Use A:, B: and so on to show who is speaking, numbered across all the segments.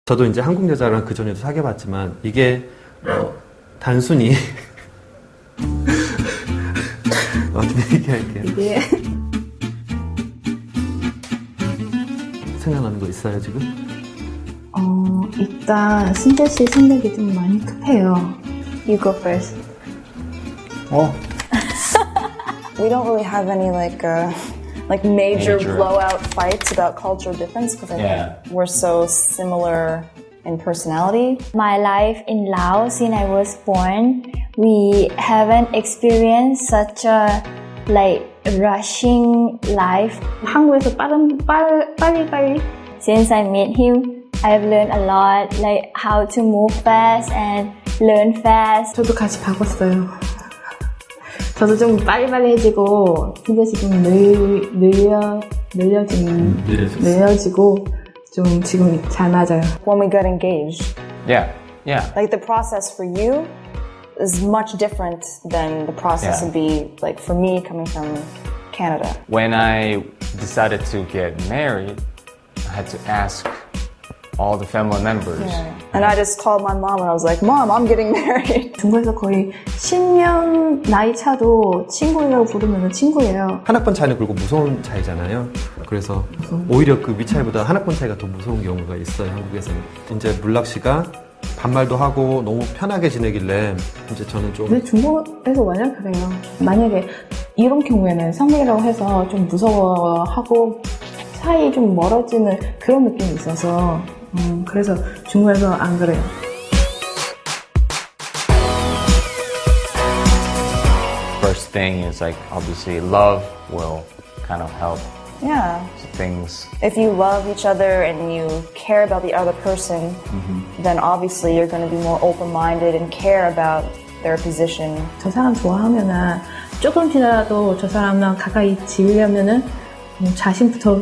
A: 저도 이제 한국 여자랑 그 전에도 사귀어봤지만 이게 단순히 어떻게 얘기할게요.
B: 이게
A: 생각나는 거 있어요 지금?
B: 일단 신재 씨 생각이 좀 많이 급해요. You go first.
C: We don't really have any like major blowout fights about cultural difference because I think we're so similar in personality.
D: My life in Laos since I was born, we haven't experienced such a rushing life.
B: 한국에서 빨리.
D: Since I met him, I've learned a lot, like how to move fast and learn fast.
B: 저도 같이 바꿨어요. 저도 좀 빨리빨리해지고 신재 씨 좀 늘려지고 좀 지금 잘 맞아요.
C: When we got engaged,
E: Yeah.
C: like the process for you is much different than the process would be like for me coming from Canada.
E: When I decided to get married, I had to ask all the family members.
C: And I just called my mom and I was like, Mom, I'm getting married.
B: 중국에서 거의 10년 나이 차도 친구라고 부르면 친구예요.
A: 한 학번 차이는 그리고 무서운 차이잖아요. 그래서 오히려 그 위차이보다 한 학번 차이가 더 무서운 경우가 있어요. 한국에서는. 이제 물락 씨가 반말도 하고 너무 편하게 지내길래 이제 저는 좀.
B: 근데 중국에서 완전 그래요. 만약에 이런 경우에는 성격이라고 해서 좀 무서워하고 사이 좀 멀어지는 그런 느낌이 있어서 그래서 중국에서 안 그래요.
E: First thing is like obviously love will kind of help
C: Yeah.
E: things.
C: If you love each other and you care about the other person, then obviously you're going to be more open-minded and care about their position.
B: 저 사람 좋아하면은 조금씩이라도 저 사람랑 가까이 지으려면은 자신부터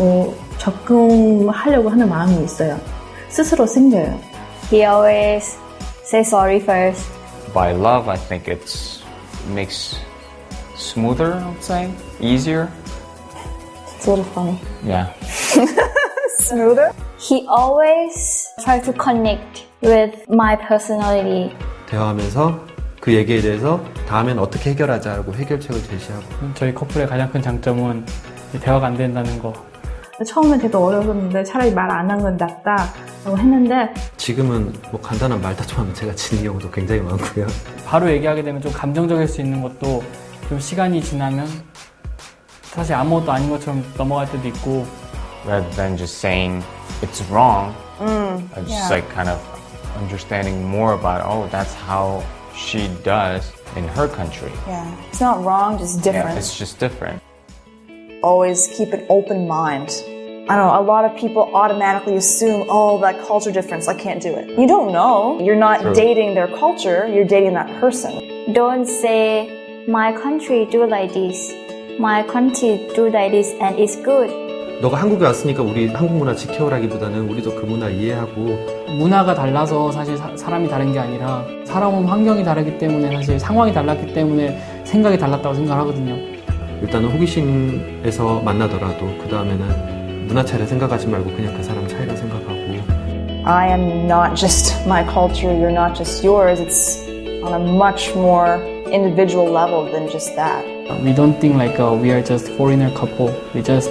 B: 적응하려고 하는 마음이 있어요. 스스로 생겨요.
D: He always say sorry first.
E: By love, I think it makes smoother, I would say, easier.
C: It's a little funny.
E: Yeah.
C: Smoother?
D: He always try to connect with my personality.
A: 대화하면서 그 얘기에 대해서 다음엔 어떻게 해결하자고 해결책을 제시하고.
F: 저희 커플의 가장 큰 장점은 대화가 안 된다는 거.
B: 처음엔 되게 어려웠는데 차라리 말 안 한 건 낫다라고 했는데
A: 지금은 뭐 간단한 말다툼 하면 제가 지는 경우도 굉장히 많고요.
F: 바로 얘기하게 되면 좀 감정적일 수 있는 것도 좀 시간이 지나면 사실 아무것도 아닌 것처럼 넘어갈 때도 있고.
E: Rather than just saying it's wrong, I just like kind of understanding more about, oh, that's how she does in her country.
C: Yeah. It's not wrong, just different.
E: Yeah, it's just different.
C: Always keep an open mind. I don't know, a lot of people automatically assume, oh, that culture difference, I can't do it. You don't know. You're not dating their culture, you're dating that person.
D: Don't say, my country do like this. My country do like this and it's good.
A: 너가 한국에 왔으니까 우리 한국 문화 지켜오라기보다는 우리도 그 문화 이해하고.
F: 문화가 달라서 사실 사람이 다른 게 아니라 살아온 환경이 다르기 때문에 사실 상황이 달랐기 때문에 생각이 달랐다고 생각하거든요.
A: 일단은 호기심에서 만나더라도 그 다음에는 문화 차이를 생각하지 말고 그냥 그 사람 차이를 생각하고.
C: I am not just my culture, you're not just yours. It's on a much more individual level than just that.
F: We don't think like we are just foreigner couple. We just,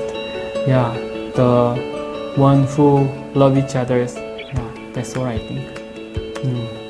F: the one who love each other. Yeah, that's what I think.